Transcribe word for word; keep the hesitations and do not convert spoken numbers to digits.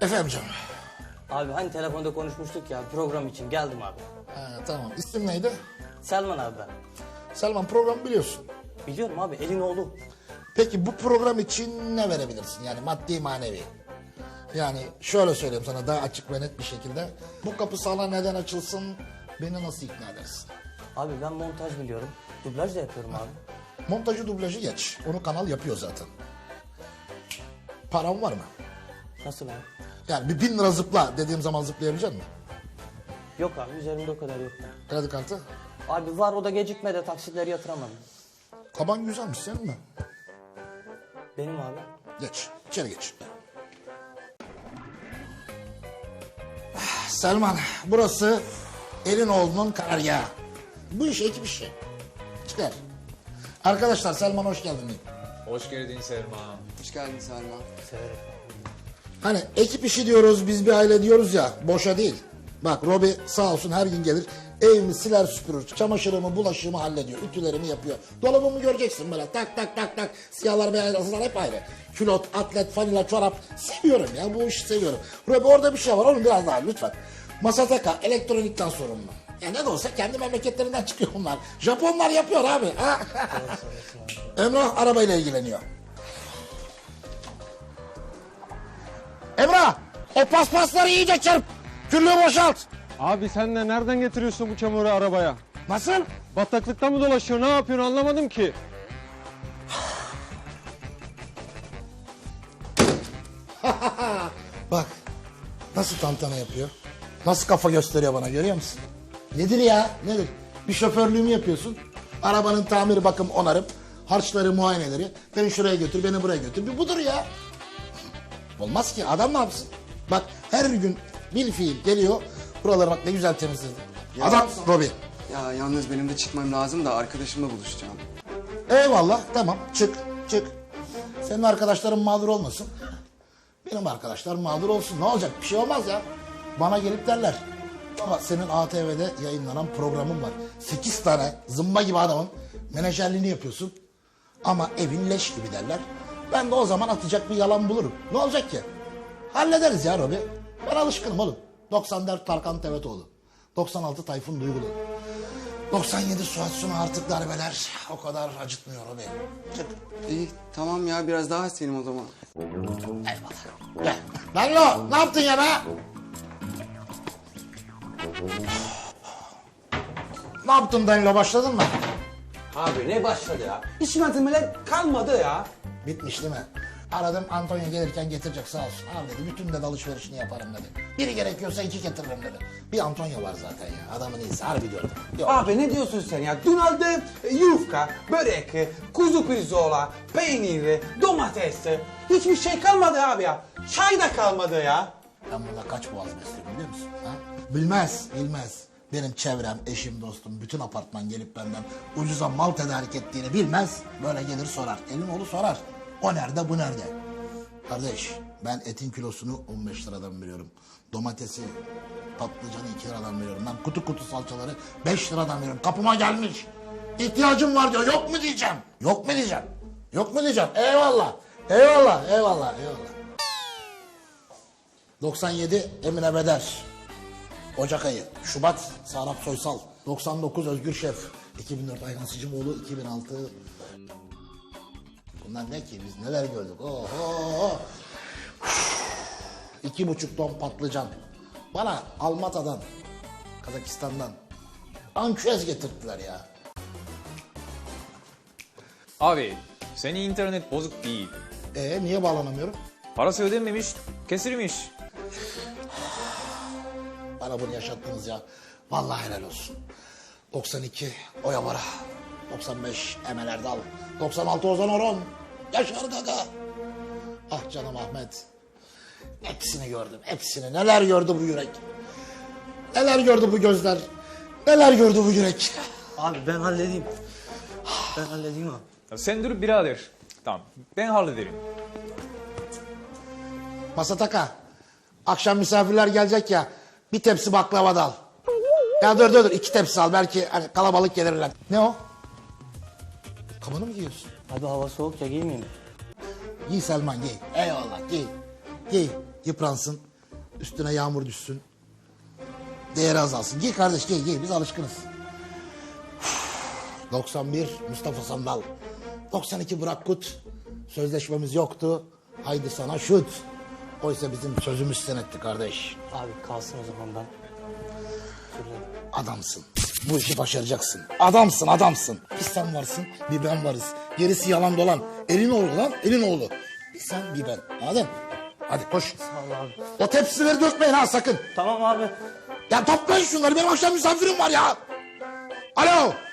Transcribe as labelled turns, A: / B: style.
A: Efendim canım.
B: Abi hani telefonda konuşmuştuk ya program için geldim abi.
A: Ha, tamam. İsim neydi?
B: Selman abi ben.
A: Selman, programı biliyorsun.
B: Biliyorum abi elin oğlu.
A: Peki bu program için ne verebilirsin? Yani maddi manevi. Yani şöyle söyleyeyim sana daha açık ve net bir şekilde. Bu kapı sana neden açılsın? Beni nasıl ikna edersin?
B: Abi ben montaj biliyorum. Dublaj da yapıyorum abi.
A: Montajı dublajı geç. Onu kanal yapıyor zaten. Param var mı?
B: Nasıl abi?
A: Yani bir bin lira zıpla dediğim zaman zıplayabilecek misin?
B: Yok abi üzerimde o kadar yok.
A: Kredi kartı.
B: Abi var o da gecikmede taksitleri yatıramam.
A: Kaban güzelmiş senin mi?
B: Benim abi.
A: Geç. İçeri geç. Ah, Selman, burası Elinoğlu'nun karargahı. Bu iş ekip işi. Çıkar. Arkadaşlar Selman hoş geldin diyeyim.
C: Hoş geldin Selma.
D: Hoş geldin Selma.
B: Severim.
A: Hani ekip işi diyoruz, biz bir aile diyoruz ya, boşa değil. Bak Robi sağ olsun her gün gelir, evimi siler süpürür, çamaşırımı, bulaşığımı hallediyor, ütülerimi yapıyor. Dolabımı göreceksin böyle tak tak tak tak, siyahlar beyazlar hep ayrı. Külot, atlet, fanila, çorap, seviyorum ya, bu işi seviyorum. Robi orada bir şey var, onu biraz daha lütfen. Masataka, elektronikten sorumlu. Ya ne de olsa kendi memleketlerinden çıkıyor bunlar. Japonlar yapıyor abi. Ha? Emrah arabayla ilgileniyor. Emrah, o paspasları iyice çırp. Küllüğü boşalt.
E: Abi sen de nereden getiriyorsun bu çamuru arabaya?
A: Nasıl?
E: Bataklıkta mı dolaşıyor? Ne yapıyorsun anlamadım ki.
A: Bak, nasıl tantana yapıyor? Nasıl kafa gösteriyor bana, görüyor musun? Nedir ya, nedir? Bir şoförlüğümü yapıyorsun. Arabanın tamiri, bakım, onarım, harçları, muayeneleri. Beni şuraya götür, beni buraya götür. Bir budur ya. Olmaz ki, adam ne yapsın? Bak her gün bil fiil geliyor. Buraları bak ne güzel temizledi.
D: Ya-
A: Adam Robi.
D: Ya yalnız benim de çıkmam lazım da arkadaşımla buluşacağım.
A: Eyvallah, tamam, çık çık. Senin arkadaşların mağdur olmasın. Benim arkadaşlarım mağdur olsun. Ne olacak? Bir şey olmaz ya. Bana gelip derler. Ama senin A T V'de yayınlanan programın var. Sekiz tane zımba gibi adamın menajerliğini yapıyorsun. Ama evin leş gibi derler. Ben de o zaman atacak bir yalan bulurum. Ne olacak ki? Hallederiz ya Robi. Ben alışkınım oğlum. doksan dört Tarkan Tevetoğlu. doksan altı Tayfun Duygulu. doksan yedi Suat Suna artık darbeler. O kadar acıtmıyor Robi. Çık.
D: İyi tamam ya biraz daha senin o zaman.
A: Eyvallah. Gel. Danlo ne yaptın ya be? Ne yaptın Danlo, başladın mı?
F: Abi ne başladı ya? Hiç malzemeler kalmadı ya.
A: Bitmiş değil mi? Aradım, Antonio gelirken getirecek sağ olsun. Abi dedi bütün dedi alışverişini yaparım dedi. Biri gerekiyorsa iki getiririm dedi. Bir Antonio var zaten ya, adamın iyisi harbi diyorum. Yok.
F: Abi ne diyorsun sen ya? Dün aldım e, yufka, börek, kuzu pirzola, peynir, domates. Hiçbir şey kalmadı abi ya. Çay da kalmadı ya.
A: Ben burada kaç boğaz besliyorum biliyor musun? Ha? Bilmez, bilmez. Benim çevrem, eşim, dostum, bütün apartman gelip benden ucuza mal tedarik ettiğini bilmez. Böyle gelir sorar. Elin oğlu sorar. O nerede, bu nerede? Kardeş, ben etin kilosunu on beş liradan veriyorum. Domatesi, patlıcanı iki liradan veriyorum. Ben kutu kutu salçaları beş liradan veriyorum. Kapıma gelmiş. İhtiyacım var diyor. Yok mu diyeceğim? Yok mu diyeceğim? Yok mu diyeceğim? Eyvallah. Eyvallah, eyvallah, eyvallah. doksan yedi Emine Beder. Ocak ayı. Şubat Sarap Soysal. doksan dokuz Özgür Şef. iki bin dört Ayhan Sicimoğlu. iki bin altı. Bunlar ne ki? Biz neler gördük? Oho. İki buçuk ton patlıcan. Bana Almata'dan, Kazakistan'dan ançüez getirttiler ya.
C: Abi, senin internet bozuk değil.
A: Ee niye bağlanamıyorum?
C: Parası ödenmemiş, kesilmiş.
A: Bana bunu yaşattınız ya. Vallahi helal olsun. doksan iki Oya Bora. doksan beş Emel Erdal. doksan altı Ozan Orhon. Yaşar Gaga. Ah canım Ahmet. Hepsini gördüm. Hepsini. Neler gördü bu yürek. Neler gördü bu gözler. Neler gördü bu yürek.
B: Abi ben halledeyim. Ben halledeyim abi.
C: Ya sen dur birader. Tamam, ben hallederim.
A: Masataka. Akşam misafirler gelecek ya. Bir tepsi baklava da al. Ya dur dur dur. iki tepsi al. Belki hani kalabalık gelirler. Ne o? Kabanı mı giyiyorsun?
B: Abi hava soğuk ya giymeyeyim mi?
A: Giy Selman giy. Eyvallah giy. Giy. Yıpransın. Üstüne yağmur düşsün. Değeri azalsın. Giy kardeş giy giy biz alışkınız. doksan bir Mustafa Sandal. doksan iki Burak Kut. Sözleşmemiz yoktu. Haydi sana şut. Oysa bizim sözümüz senetti kardeş.
B: Abi kalsın o zaman ben. Şurada.
A: Adamsın. Bu işi başaracaksın. Adamsın adamsın. Bir sen varsın bir ben varız. Gerisi yalan dolan. Elin oğlu lan elin oğlu. Bir sen bir ben. Anladın? Hadi koş.
B: Sağ ol abi.
A: O tepsileri dökmeyin ha sakın.
B: Tamam abi.
A: Ya toplayın şunları benim akşam misafirim var ya. Alo.